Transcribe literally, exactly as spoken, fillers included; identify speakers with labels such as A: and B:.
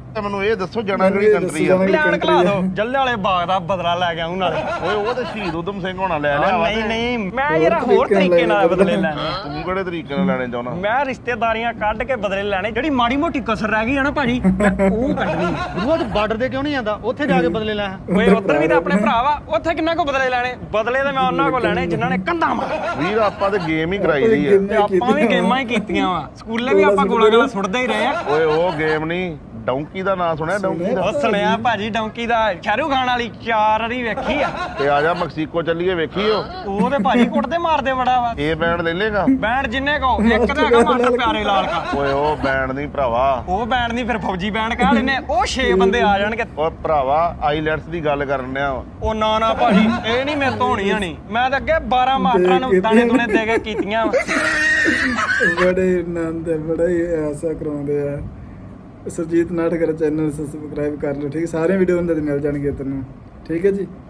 A: ਤੇ ਮੈਨੂੰ ਇਹ ਦੱਸੋ ਜਾਣਾ ਕਿਹੜੀ ਕੰਟਰੀ ਆ?
B: ਪਲਾਨ ਕਲਾ ਦੋ ਜੱਲੇ ਵਾਲੇ ਬਾਗ ਦਾ ਬਦਲਾ ਲੈ ਕੇ ਆਉਂ ਨਾਲੇ।
A: ਓਏ ਉਹ ਤੇ ਸ਼ਹੀਦ ਊਧਮ ਸਿੰਘ ਹੋਣਾ ਲੈ ਲਿਆ ਵਾ।
B: ਨਹੀਂ ਨਹੀਂ ਮੈਂ ਯਾਰ ਹੋਰ ਤਰੀਕੇ ਨਾਲ ਬਦਲੇ ਲੈਣੇ।
A: ਤੂੰ ਕਿਹੜੇ ਤਰੀਕੇ ਨਾਲ ਲੈਣੇ ਚਾਹੁੰਦਾ?
B: ਮੈਂ ਰਿਸ਼ਤੇਦਾਰੀਆਂ ਕੱਢ ਕੇ ਬਦਲੇ ਲੈਣੇ। ਜਿਹੜੀ ਮਾੜੀ ਮੋਟੀ ਕਸਰ ਰਹਿ ਗਈ ਆ ਨਾ ਭਾਜੀ ਉਹ ਕੱਢਣੀ।
C: ਗੁਰੂਆ ਤੂੰ ਬਾਰਡਰ ਦੇ ਕਿਉਂ ਨਹੀਂ ਜਾਂਦਾ? ਉੱਥੇ ਜਾ ਕੇ ਬਦਲੇ ਲੈ।
B: ਓਏ ਉੱਧਰ ਵੀ ਤਾਂ ਆਪਣੇ ਭਰਾ ਵਾ, ਉੱਥੇ ਕਿੰਨਾ ਕੋ ਬਦਲੇ ਲੈਣੇ? ਬਦਲੇ ਤੇ ਮੈਂ ਉਹਨਾਂ ਕੋ ਲੈਣੇ ਜਿਨ੍ਹਾਂ ਨੇ ਕੰਧਾਂ ਮਾਰ।
A: ਵੀਰ ਆਪਾਂ ਤੇ ਗੇਮ ਹੀ ਕਰਾਈ ਦੀ ਆ।
B: ਤੇ ਆਪਾਂ ਵੀ ਗੇਮਾਂ ਹੀ ਕੀਤੀਆਂ ਵਾ, ਸਕੂਲੇ ਵੀ ਆਪਾਂ ਗੋਲਾ ਗੋਲਾ ਸੁੱਟਦੇ ਹੀ ਰਹੇ ਆ।
A: ਓਏ ਉਹ ਗੇਮ ਨਹੀਂ, ਡੌਂਕੀ ਦਾ ਨਾਂ ਸੁਣਿਆ? ਡੌਂਕੀ ਦਾ
B: ਉਹ ਸੁਣਿਆ ਭਾਜੀ, ਡੌਂਕੀ ਦਾ ਸ਼ਾਹਰੁਖ ਖਾਨ ਵਾਲੀ ਚਾਰ ਵਾਰੀ ਵੇਖੀ ਆ।
A: ਤੇ ਆ ਜਾ ਮੈਕਸੀਕੋ ਚੱਲੀਏ, ਵੇਖੀਓ।
B: ਉਹ ਤੇ ਭਾਜੀ ਕੁੱਟਦੇ ਮਾਰਦੇ ਬੜਾ ਵਾ।
A: ਇਹ ਬੈਂਡ ਲੈ ਲੇਗਾ?
B: ਬੈਂਡ ਜਿੰਨੇ ਕੋ ਇੱਕ ਤਾਂ ਹੈਗਾ ਮਾਸਟਰ ਪਿਆਰੇ ਲਾਲ ਕਾ।
A: ਓਏ ਉਹ ਬੈਂਡ ਨਹੀਂ ਭਰਾਵਾ,
B: ਉਹ ਬੈਂਡ ਨਹੀਂ ਫਿਰ ਫੌਜੀ ਬੈਂਡ ਕਹਿ ਲੈਨੇ। ਉਹ ਛੇ ਬੰਦੇ ਆ ਜਾਣਗੇ।
A: ਓਏ ਭਰਾਵਾ ਆਈਲੈਟਸ ਦੀ ਗੱਲ ਕਰਨ ਡਿਆ ਵਾ।
B: ਉਹ ਨਾ ਨਾ ਭਾਜੀ ਇਹ ਨਹੀਂ ਮੇਰੇ ਤੋਂ ਹੋਣੀਆਂ ਨਹੀਂ। ਮੈਂ ਤਾਂ ਅੱਗੇ ਬਾਰਾਂ ਮਾਸਟਰਾਂ ਨੂੰ ਦਾਣੇ ਦੂਣੇ ਦੇ ਕੇ ਕੀਤੀਆਂ ਵਾ।
D: ਬੜੇ ਆਨੰਦ ਹੈ, ਬੜਾ ਹੀ ਐਸਾ ਕਰਾਉਂਦੇ ਆ। ਸੁਰਜੀਤ ਨਾਟਕਰ ਚੈਨਲ ਸਬਸਕ੍ਰਾਈਬ ਕਰ ਲਓ, ਠੀਕ। ਸਾਰੇ ਵੀਡੀਓ ਉਹਨਾਂ ਦੇ ਮਿਲ ਜਾਣਗੇ ਤੈਨੂੰ, ਠੀਕ ਹੈ ਜੀ।